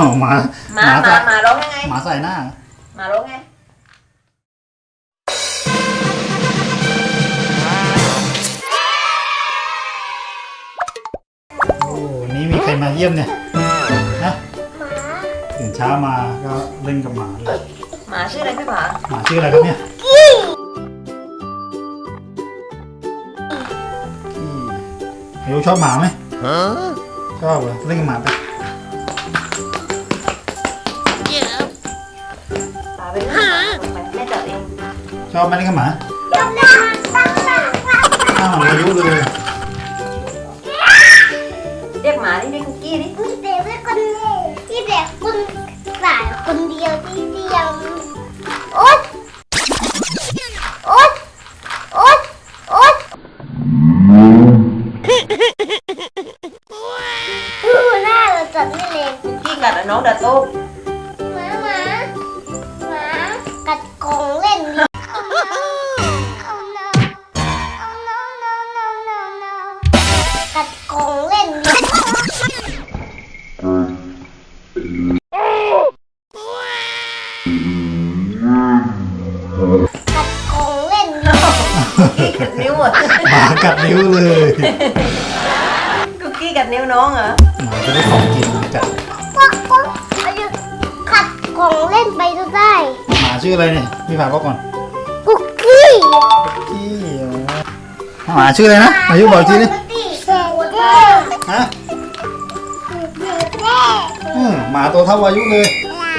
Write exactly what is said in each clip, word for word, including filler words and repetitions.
หมาหมาหมาหมาร้องยังไงหมาใส่หน้าหมาร้องไงโอ้นี่มีใครมาเยี่ยมเนี่ยนะตื่นเช้ามาก็เล่นกับหมาเลยหมาชื่ออะไรพี่ผาหมาชื่ออะไรครับเนี่ยอายุชอบหมาไหมชอบเหรอเล่นกับหมาไปผาไปเล่นกับหมาแม่จับเองชอบไหมเล่นกับหมาอ้าวอายุเลยเรียกหมาดิเรียกคุกกี้ดิพี่เด็กเป็นคนพี่เด็กคนสายคนเดียวที่เดียวโอ๊ยโอ๊ยโอ๊ยโอ๊ยดูหน้าเราจัดไม่เล็กคุกกี้กัดน้องดัดโต้หมาหมาหมากัดกองเล่นกัดกองเล่นกัดกองเล่นคุกกี้กัดนิ้วหมดหมากัดนิ้วเลยคุกกี้กัดนิ้วน้องเหรอหมาจะได้ของกินกัดก็ก็กัดกองเล่นไปก็ได้หมาชื่ออะไรเนี่ยพี่ฝากก่อนคุกกี้คุกกี้หมาชื่ออะไรนะอายุบอกทีนี่ฮะหมาตัวเท่าอายุเลย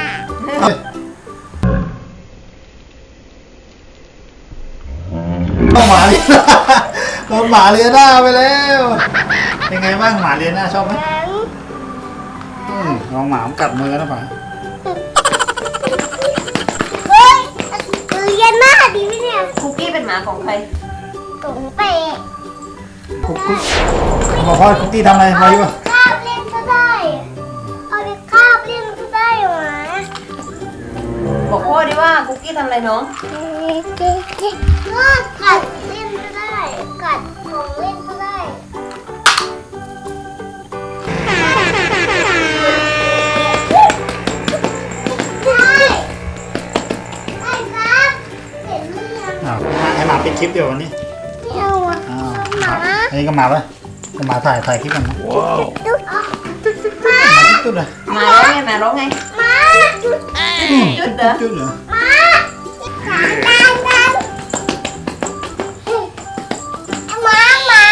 เอาหมาเลียน่าเอาหมาเลียน่าไปแล้วเป็นไงบ้างหมาเลียน่าชอบไหมลองหมากัดมือนะป๋าเฮ้ยเลียน่าดีไหมเนี่ยคุกกี้เป็นหมาของใครของเป๊ะคุกกี้บอกพ่อคุกกี้ทำอะไรมาอยู่คาบเล่นก็ได้เอาไปคาบเล่นก็ได้หมาบอกพ่อดิว่าคุกกี้ทำอะไรน้องก็กัดเล่นก็ได้กัดของเล่นก็ได้ให้หมาปิดคลิปเดี๋ยววันนี้เอาอ่ะหมาอันนี้ก็มาแล้วก็มาถ่ายถ่ายคลิปกันนะว้าวตุ๊ดตุ๊ดเลยหมาร้องไงหมาร้องไงหมาจุดจุดเหรอจุดเหรอหมาขาดันดันหมาหมา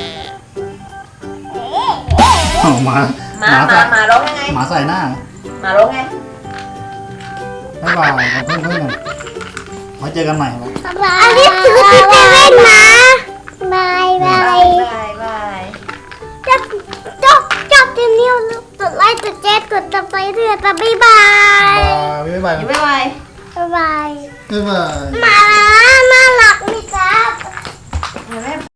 หมาหมาหมาหมาร้องยังไงหมาใส่หน้าหมาร้องไงบ๊ายบายเพื่อนเพื่อนไว้เจอกันใหม่ครับอันนี้คือที่จะเล่นนะบายบายบายบายจับจับจับที่นิ้วกดไลค์กดแชร์กดติดตามเรื่อยๆบ๊ายบายบ๊ายบายบ๊ายบายบ๊ายบายบ๊ายบายมาน่ารักนี่ครับ